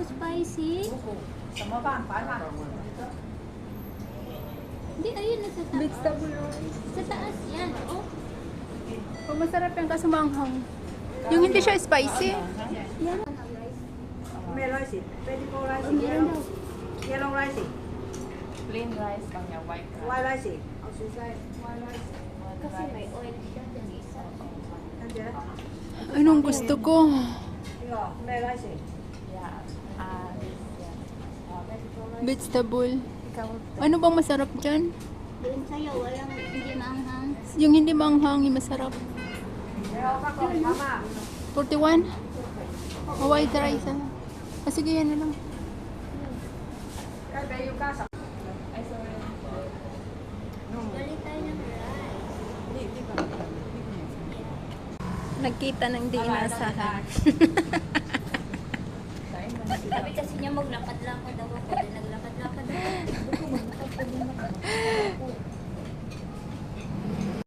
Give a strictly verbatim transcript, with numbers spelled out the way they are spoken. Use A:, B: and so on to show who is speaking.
A: spicy.
B: Sama ba? Paano?
A: Hindi, ayun na sa taas.
C: Vegetable rice.
A: Sa taas, yan. Oh.
C: Oh, masarap yung kasumanghang. Yung hindi siya spicy.
A: Yan.
B: May rice eh. Pwede po rice
A: Oh,
B: eh.
A: meron
B: Yellow,
A: daw.
B: yellow rice eh.
D: Plain rice lang niya, white rice.
B: White rice eh. Oh, sis rice. White rice.
A: Kasi may oil siya dyan isa.
B: Nandiyan?
C: Anong gusto ko?
B: Yo, may rice eh.
D: Yeah. Ah, this, yeah.
C: Vegetable.
D: Ikaw,
C: Ano bang masarap dyan?
A: Doon sa'yo, walang hindi maanghang.
C: Yung hindi manghang, yung masarap.
B: Pero ako, mama.
C: forty-one? Oh, white rice ah. Ah, sige, yan na lang.
B: Kaya ba yung kasa?
D: ay, sorry.
A: Galit tayo ng rice.
C: Nagkita ng di inasahan.
A: Sabi kasi niya maglakad lang ako daw ako.